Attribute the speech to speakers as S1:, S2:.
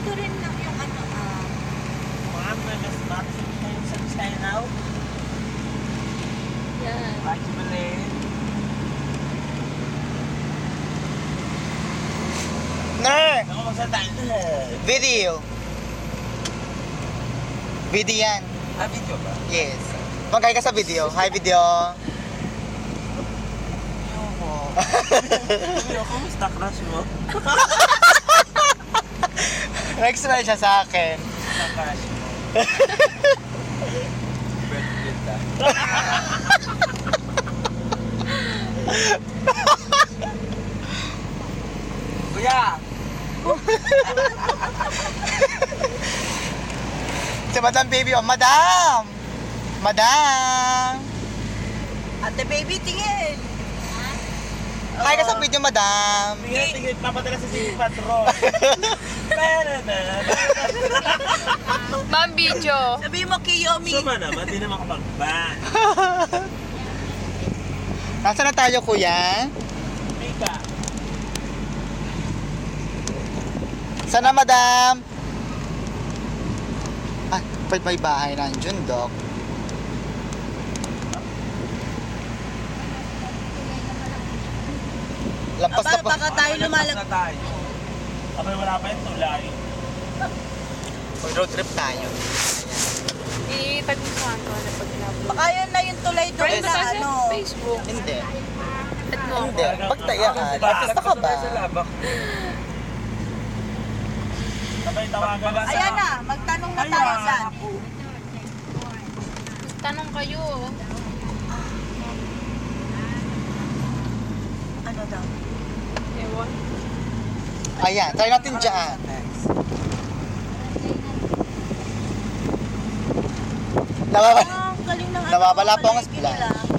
S1: Ito rin lang yung ano,
S2: Ma'am, mas maxim kayo sa China now.
S1: yan.
S2: Bakit ba rin?
S3: Ner!
S2: Ako magsatain.
S3: Video. Video yan.
S2: Ah, video ba?
S3: Yes. Mag-hi ka sa video. Hi, video.
S2: Ayoko. Ayoko, kumusta crush mo?
S3: Nag-smile siya sa akin.
S2: Kumusta crush mo? Birthday ta. Kuya!
S3: Si Madam Baby, oh, Madam! Madam!
S1: Ate baby, tingin.
S3: Hi ka sa video, Madam.
S2: Tingin, papadala sa City Patrol.
S4: Ma'am, video.
S1: Sabi mo, Kiyomi.
S2: Suma naman, di naman kapag-ban.
S3: Nasaan na tayo, kuya?
S2: Mika.
S3: Sana, Madam? Ay, may bahay na dyan, Dok. Lampas na
S1: Aba,
S3: po.
S1: baka tayo lumalag.
S2: Na tayo. Abay, wala pa yung tulay.
S3: Road trip tayo.
S4: Itag-usahan ko na pag in-upload.
S1: Baka yun na yung tulay doon
S4: Friend
S1: sa
S4: sa
S1: ano.
S4: Facebook.
S3: Hindi.
S4: At mo
S3: Hindi.
S4: ako.
S3: Pagtayaan. Artista ka ba?
S2: Sabay tawagan na sa...
S1: Ayan na, magtanong na tayo saan.
S4: Tanong kayo.
S1: Ano daw?
S4: Ewan.
S3: Ayan, try natin dyan. Nawawala.
S1: Ah, galing ng ano.
S3: Nawawala po ang
S1: palengke
S3: splash.
S1: nila.